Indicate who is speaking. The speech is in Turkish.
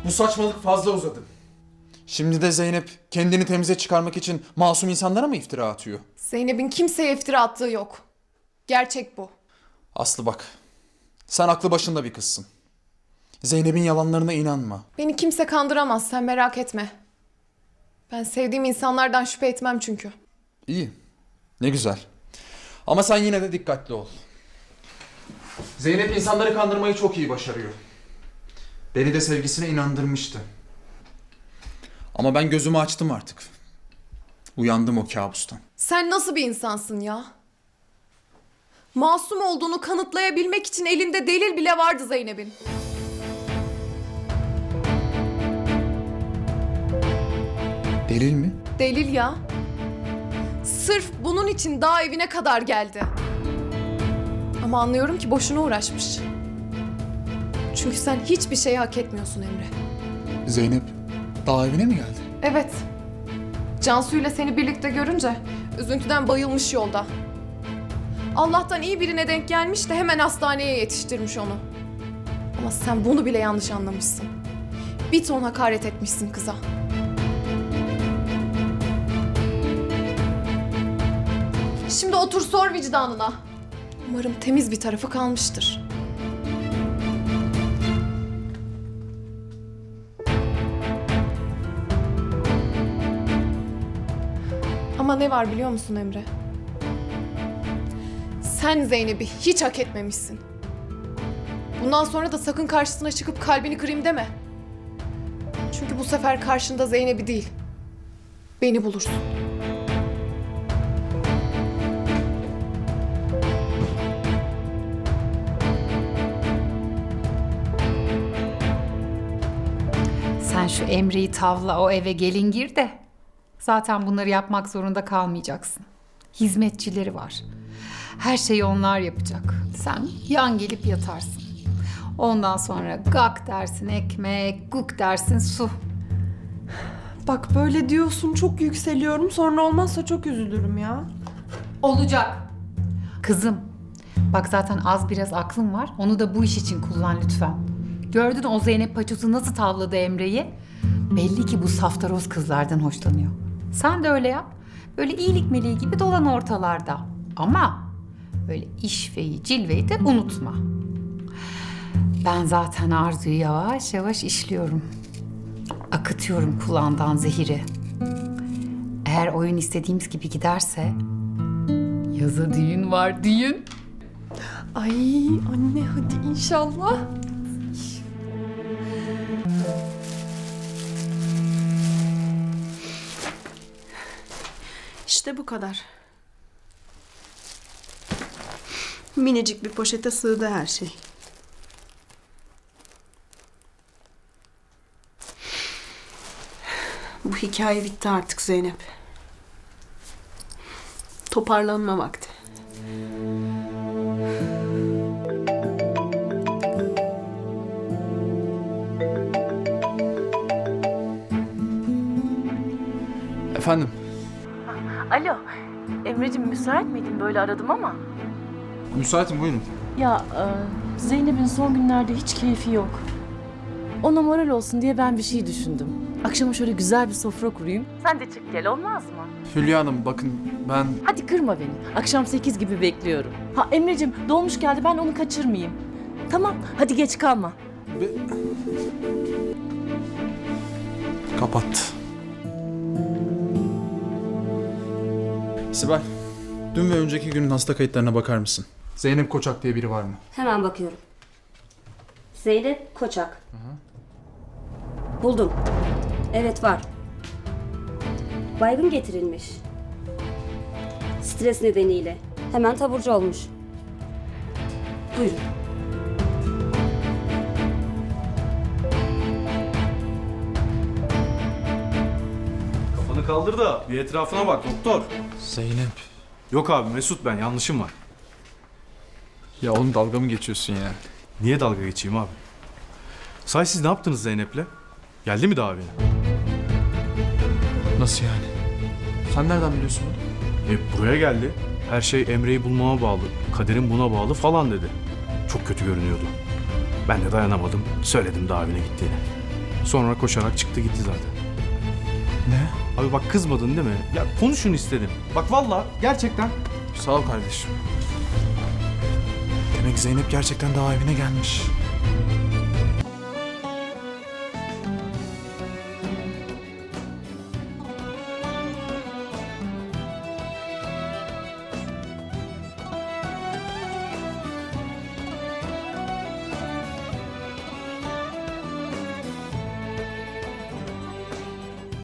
Speaker 1: Bu saçmalık fazla uzadı. Şimdi de Zeynep kendini temize çıkarmak için masum insanlara mı iftira atıyor?
Speaker 2: Zeynep'in kimseye iftira attığı yok. Gerçek bu.
Speaker 1: Aslı bak, sen aklı başında bir kızsın. Zeynep'in yalanlarına inanma.
Speaker 2: Beni kimse kandıramaz, sen merak etme. Ben sevdiğim insanlardan şüphe etmem çünkü.
Speaker 1: İyi, ne güzel. Ama sen yine de dikkatli ol. Zeynep insanları kandırmayı çok iyi başarıyor. Beni de sevgisine inandırmıştı. Ama ben gözümü açtım artık. Uyandım o kabustan.
Speaker 2: Sen nasıl bir insansın ya? Masum olduğunu kanıtlayabilmek için elinde delil bile vardı Zeynep'in.
Speaker 1: Delil mi?
Speaker 2: Delil ya. Sırf bunun için daha evine kadar geldi. Ama anlıyorum ki boşuna uğraşmış. Çünkü sen hiçbir şeyi hak etmiyorsun Emre.
Speaker 1: Zeynep daha evine mi geldi?
Speaker 2: Evet. Cansu ile seni birlikte görünce üzüntüden bayılmış yolda. Allah'tan iyi birine denk gelmiş de hemen hastaneye yetiştirmiş onu. Ama sen bunu bile yanlış anlamışsın. Bir ton hakaret etmişsin kıza. Şimdi otur sor vicdanına. Umarım temiz bir tarafı kalmıştır. Ama ne var biliyor musun Emre? Sen Zeynep'i hiç hak etmemişsin. Bundan sonra da sakın karşısına çıkıp kalbini kırayım deme. Çünkü bu sefer karşında Zeynep'i değil, beni bulursun.
Speaker 3: Sen şu Emre'yi tavla, o eve gelin gir de. Zaten bunları yapmak zorunda kalmayacaksın. Hizmetçileri var. Her şeyi onlar yapacak. Sen yan gelip yatarsın. Ondan sonra gak dersin ekmek, guk dersin su.
Speaker 4: Bak böyle diyorsun, çok yükseliyorum, sonra olmazsa çok üzülürüm ya.
Speaker 3: Olacak. Kızım, bak zaten az biraz aklın var. Onu da bu iş için kullan lütfen. Gördün o Zeynep paçosu nasıl tavladı Emre'yi? Belli ki bu saftaroz kızlardan hoşlanıyor. Sen de öyle yap. Böyle iyilik meleği gibi dolan ortalarda. Ama böyle işveyi, cilveyi de unutma. Ben zaten Arzu'yu yavaş yavaş işliyorum. Akıtıyorum kulağından zehiri. Eğer oyun istediğimiz gibi giderse... Yaza düğün var, düğün.
Speaker 4: Ay anne hadi inşallah. İşte bu kadar. Minicik bir poşete sığdı her şey. Bu hikaye bitti artık Zeynep. Toparlanma vakti.
Speaker 1: Efendim?
Speaker 5: Alo, Emre'cim müsait miydin? Böyle aradım ama.
Speaker 1: Müsaitim, buyurun.
Speaker 5: Ya Zeynep'in son günlerde hiç keyfi yok. Ona moral olsun diye ben bir şey düşündüm. Akşama şöyle güzel bir sofra kurayım. Sen de çık gel, olmaz mı?
Speaker 1: Hülya Hanım bakın ben...
Speaker 5: Hadi kırma beni. Akşam 8 gibi bekliyorum. Ha Emre'cim dolmuş geldi, ben onu kaçırmayayım. Tamam, hadi geç kalma.
Speaker 1: Kapat. Sibel, dün ve önceki günün hasta kayıtlarına bakar mısın? Zeynep Koçak diye biri var mı?
Speaker 6: Hemen bakıyorum. Zeynep Koçak. Buldum. Evet var. Baygın getirilmiş. Stres nedeniyle. Hemen taburcu olmuş. Buyurun.
Speaker 7: Kafanı kaldır da bir etrafına bak doktor.
Speaker 1: Zeynep.
Speaker 7: Yok abi Mesut ben, yanlışım var.
Speaker 1: Ya oğlum dalga mı geçiyorsun ya?
Speaker 7: Niye dalga geçeyim abi? Sahi siz ne yaptınız Zeynep'le? Geldi mi daha evine?
Speaker 1: Nasıl yani? Sen nereden biliyorsun bunu?
Speaker 7: Buraya geldi. Her şey Emre'yi bulmama bağlı, kaderim buna bağlı falan dedi. Çok kötü görünüyordu. Ben de dayanamadım, söyledim daha evine gittiğini. Sonra koşarak çıktı gitti zaten.
Speaker 1: Ne?
Speaker 7: Abi bak kızmadın değil mi? Ya konuşun istedim. Bak vallahi gerçekten.
Speaker 1: Sağ ol kardeşim. Demek Zeynep gerçekten daha evine gelmiş.